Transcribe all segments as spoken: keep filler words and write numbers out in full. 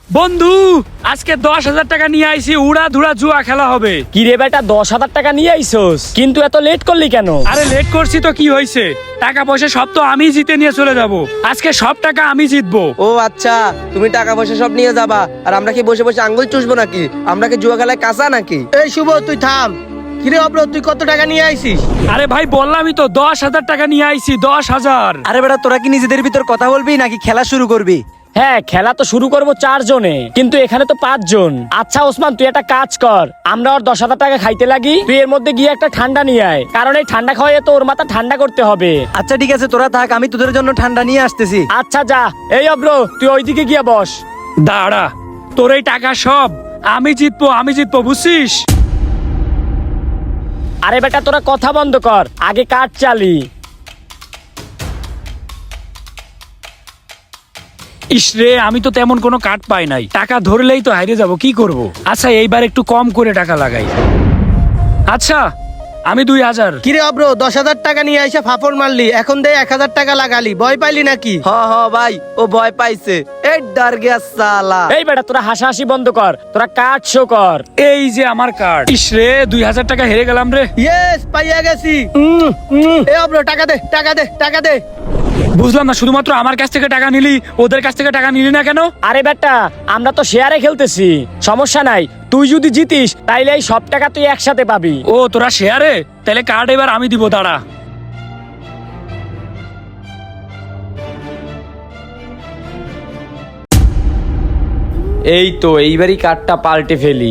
বন্ধু আজকে দশ হাজার টাকা নিয়ে আইছি, উড়া ধুরা জুয়া খেলা হবে। কি রে বেটা, দশ হাজার টাকা নিয়ে আইসোস, কিন্তু এত লেট করলি কেন? আরে লেট করছি তো কি হয়েছে, টাকা পয়সা সব তো আমি জিতে নিয়ে চলে যাব। আজকে সব টাকা আমি জিতবো। ও আচ্ছা, তুমি টাকা পয়সা সব নিয়ে যাবা আর আমরা কি বসে বসে আঙ্গুল চুষবো নাকি? আমরা কি জুয়া খেলায় কাঁচা নাকি? এই শুভ, তুই থাম। কিরে অব্র, তুই কত টাকা নিয়ে আইছিস? আরে ভাই বললামই তো দশ হাজার টাকা নিয়ে আইছি, দশ হাজার। আরে বেটা, তোরা কি নিজেদের ভিতর কথা বলবি নাকি খেলা শুরু করবি? হ্যাঁ, খেলা তো শুরু করবো চার জনে, কিন্তু এখানে তো পাঁচ জন। আচ্ছা ওসমান, তুই একটা কাজ কর, আমরা ওর দশ হাজার টাকা খাইতে লাগি, তুই এর মধ্যে গিয়ে একটা ঠান্ডা নিয়ে আয়, কারণ এই ঠান্ডা খাওয়াই তো ওর মাথা ঠান্ডা করতে হবে। আচ্ছা ঠিক আছে, তোরা থাক, আমি তোদের জন্য ঠান্ডা নিয়ে আসতেছি। আচ্ছা যা। এই অব্র, তুই ওইদিকে গিয়ে বস। দাঁড়া, তোর এই টাকা সব আমি জিতবো, আমি জিতবো, বুঝছিস? আরে বেটা তোরা কথা বন্ধ কর, আগে কাঠ চালি। ইসরে, আমি তো তেমন কোনো কাট পাই নাই, টাকা ধরলেই তো হারিয়ে যাব, কি করব? আচ্ছা এইবার একটু কম করে টাকা লাগাই। আচ্ছা আমি দুই হাজার। কিরে অব্র, দশ হাজার টাকা নিয়ে আইসা ফাফড় মারলি, এখন দে এক হাজার টাকা লাগালি, ভয় পাইলি নাকি? হ হ ভাই, ও ভয় পাইছে। এই ডার গিয়া সালা। এই বেটা তোরা হাসাহাসি বন্ধ কর, তোরা কাঠ শো কর। এই যে আমার কার্ড। ইসরে, দুই হাজার টাকা হেরে গেলাম রে। ইয়েস, পাইয়া গেছি। উম, উম। এ অব্র, টাকা দে, টাকা দে, টাকা দে। বুঝলাম না, শুধুমাত্র আমার কাছ থেকে টাকা নিলি, ওদের কাছ থেকে টাকা নিলি না কেন? আরে বেটা, আমরা তো শেয়ারে খেলতেছি, সমস্যা নাই। তুই যদি জিতিস তাইলে এই সব টাকা তুই একসাথে পাবি। ও তোরা শেয়ারে, তাহলে কার্ড এবার আমি দিব, দাঁড়া। এই তো এইবারই কার্ডটা পাল্টে ফেলি।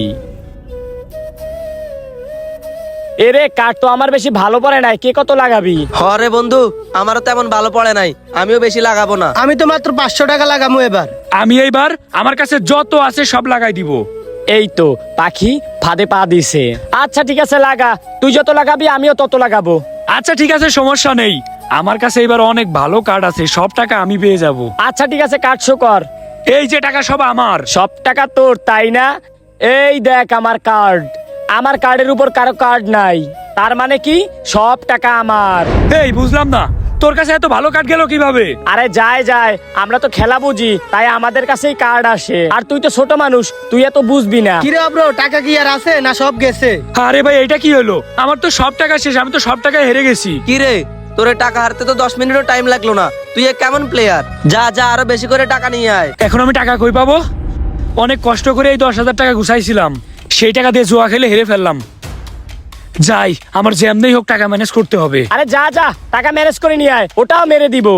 এরে, কার্ড তো আমার বেশি ভালো পড়ে নাই, কে কত লাগাবি? হরে বন্ধু, আমারও তেমন ভালো পড়ে নাই, আমিও বেশি লাগাবো না। আমি তো মাত্র পাঁচশো টাকা লাগামু এবার। আমি এইবার আমার কাছে যত আছে সব লাগাই দিব। এই তো পাখি ফাঁদে পা দিছে। আচ্ছা ঠিক আছে, লাগা, তুই যত লাগাবি আমিও তত লাগাবো। আচ্ছা ঠিক আছে, সমস্যা নেই, আমার কাছে এবার অনেক ভালো কার্ড আছে, সব টাকা আমি পেয়ে যাব। আচ্ছা ঠিক আছে, কার্ড শো কর। এই যে টাকা সব আমার। সব টাকা তোর, তাই না? এই দেখ আমার কার্ড, আমার কার্ডের উপর কারো কার্ড নাই, তার মানে কি সব টাকা আমার। এই বুঝলাম না, তোর কাছে এত ভালো কার্ড গেল কিভাবে? আরে যায় যায়, আমরা তো খেলা বুঝি, তাই আমাদের কাছেই কার্ড আসে। আর তুই তো ছোট মানুষ, তুই এত বুঝবি না। কিরে অব্র, টাকা কি আর আছে না সব গেছে? আরে ভাই এটা কি হলো, আমার তো সব টাকা শেষ, আমি তো সব টাকা হেরে গেছি। কি রে, তোর এই টাকা হারতে তো দশ মিনিটও টাইম লাগলো না, তুই এক কেমন প্লেয়ার? যা যা, আরো বেশি করে টাকা নিয়ে আয়। এখন আমি টাকা কই পাবো? অনেক কষ্ট করে এই দশ হাজার টাকা গুছাইছিলাম, সেই টাকা দিয়ে জুয়া খেলে হেরে ফেললাম। যাই, আমার যেমনি হোক টাকা ম্যানেজ করতে হবে। আরে যা যা, টাকা ম্যানেজ করে নিয়ে আয়, ওটাও মেরে দিব।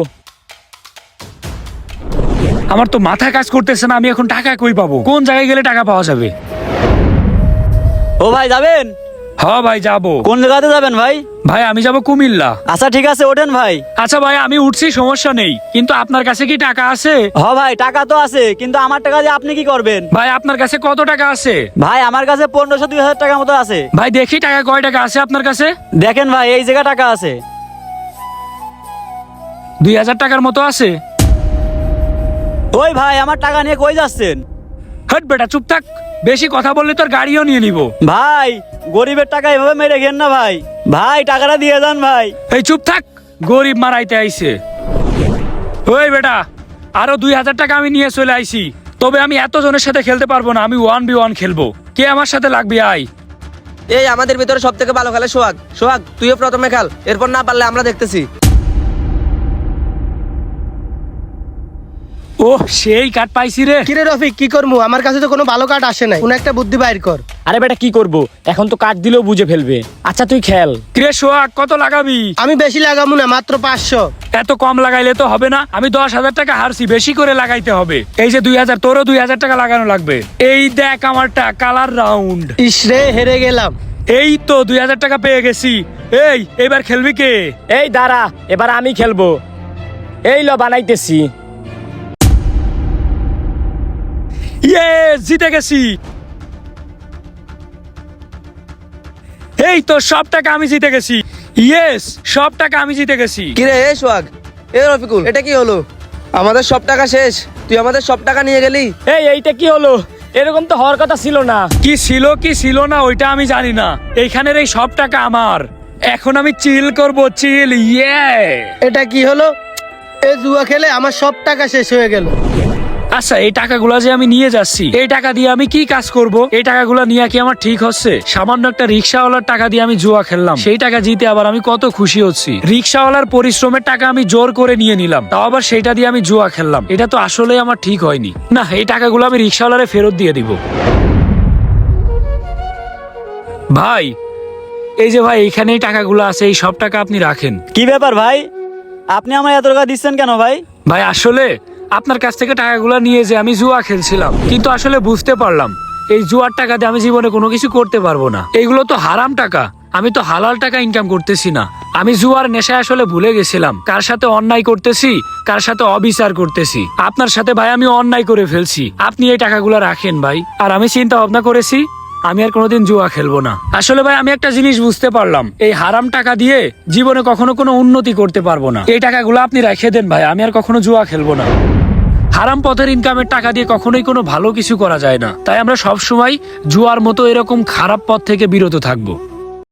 আমার তো মাথায় কাজ করতেছে না, আমি এখন টাকা কই পাবো? কোন জায়গায় গেলে টাকা পাওয়া যাবে? ও ভাই, যাবেন? হ্যাঁ ভাই যাবো। কোন জায়গাতে যাবেন ভাই? ভাই আমি যাবো কুমিল্লা। আচ্ছা ঠিক আছে, ওঠেন ভাই। আচ্ছা ভাই আমি উঠছি, সমস্যা নেই, কিন্তু আপনার কাছে কি টাকা আছে? হ ভাই, টাকা তো আছে, কিন্তু আমার টাকা দিয়ে আপনি কি করবেন? ভাই আপনার কাছে কত টাকা আছে? ভাই আমার কাছে পনেরোশো দুই হাজার টাকার মতো আছে। ভাই দেখি টাকা কয় টাকা আছে আপনার কাছে। দেখেন ভাই, এই জায়গা টাকা আছে। দুই হাজার টাকার মতো আছে। ওই ভাই, আমার টাকা নিয়ে কই যাচ্ছেন? হট বেটা, চুপ থাক, বেশি কথা বললে তোর গাড়িও নিয়ে নিব। ভাই, গরিবের টাকা এভাবে মেরে ঘেন না ভাই। ভাই টাকাটা দিয়ে যান ভাই। এই চুপ থাক, গরিব মারাইতে আইছে। ওই বেটা, আরো দুই হাজার টাকা আমি নিয়ে চলে আইছি, তবে আমি এত জনের সাথে খেলতে পারবো না, আমি ওয়ান বি ওয়ান খেলবো। কে আমার সাথে লাগবে? আয়। এই আমাদের ভিতরে সব থেকে ভালো খেলে সোহাগ। সোহাগ, তুইও প্রথমে খেল, এরপর না পারলে আমরা দেখতেছি। ও সেই কার্ড পাইছি রে। কিরে রফিক, কি করমু? আমার কাছে তো কোনো ভালো কার্ড আসে নাই, কোন একটা বুদ্ধি বাইর কর। আরে বেটা কি করব, এখন তো কার্ড দিলেও বুঝে ফেলবে। আচ্ছা তুই খেল। কিরে সোহাগ, কত লাগাবি? আমি বেশি লাগামু না, মাত্র পাঁচশো। এত কম লাগাইলে তো হবে না, আমি দশ হাজার টাকা হারছি, বেশি করে লাগাইতে হবে। এই যে দুই হাজার, তোরও দুই হাজার টাকা লাগানো লাগবে। এই দেখ আমারটা কালার রাউন্ড। ইসরে, হেরে গেলাম। এই তো দুই হাজার টাকা পেয়ে গেছি। এই এবার খেলবি কে? এই দাঁড়া, এবার আমি খেলবো। এই ল বানাইতেছি। ইয়ে, জিতে গেছি। এই তো সব টাকা আমি জিতে গেছি। ইয়েস, সব টাকা আমি জিতে গেছি। কিরে এই সোহাগ, এ রফিকুল, এটা কি হলো? আমাদের সব টাকা শেষ, তুই আমাদের সব টাকা নিয়ে গেলি। এই এইটা কি হলো? এরকম তো হওয়ার কথা ছিল না। কি ছিল কি ছিল না ওইটা আমি জানি না, এইখানের এই সব টাকা আমার। এখন আমি চিল করব, চিল। ইয়ে, এটা কি হলো? এ জুয়া খেলে আমার সব টাকা শেষ হয়ে গেল। আচ্ছা এই টাকাগুলো যে আমি নিয়ে যাচ্ছি এই টাকা দিয়ে আমি কি কাজ করব? এই টাকাগুলো নিয়ে কি আমার ঠিক হচ্ছে? সামান্য একটা রিক্সাওয়ালার টাকা দিয়ে আমি জুয়া খেললাম, সেই টাকা জিতে আবার আমি কত খুশি হচ্ছি। রিক্সাওয়ালার পরিশ্রমের টাকা আমি জোর করে নিয়ে নিলাম, তাও আবার সেইটা দিয়ে আমি জুয়া খেললাম। এটা তো আসলে আমার ঠিক হয়নি। না, এই টাকাগুলো আমি রিক্সাওয়ালারে ফেরত দিয়ে দিব। ভাই এই যে ভাই এইখানে এই টাকাগুলো আছে, এই সব টাকা আপনি রাখেন। কি ব্যাপার ভাই, আপনি আমার এত টাকা দিচ্ছেন কেন ভাই? ভাই আসলে আপনার কাছ থেকে টাকাগুলো নিয়ে যে আমি জুয়া খেলছিলাম, কিন্তু আসলে বুঝতে পারলাম এই জুয়ার টাকা দিয়ে আমি জীবনে কোনো কিছু করতে পারবো না। এইগুলো তো হারাম টাকা, আমি তো হালাল টাকা ইনকাম করতেছি না। আমি জুয়ার নেশায় আসলে ভুলে গেছিলাম কার সাথে অন্যায় করতেছি, কার সাথে অবিচার করতেছি। আপনার সাথে ভাই আমি অন্যায় করে ফেলছি, আপনি এই টাকাগুলো রাখেন ভাই। আর আমি চিন্তা ভাবনা করেছি আমি আর কোনোদিন জুয়া খেলবো না। আসলে ভাই আমি একটা জিনিস বুঝতে পারলাম, এই হারাম টাকা দিয়ে জীবনে কখনো কোনো উন্নতি করতে পারবো না। এই টাকাগুলো আপনি রেখে দেন ভাই, আমি আর কখনো জুয়া খেলবো না। হারাম পথের ইনকামের টাকা দিয়ে কখনোই কোনো ভালো কিছু করা যায় না, তাই আমরা সব সময় জুয়ার মতো এরকম খারাপ পথ থেকে বিরত থাকবো।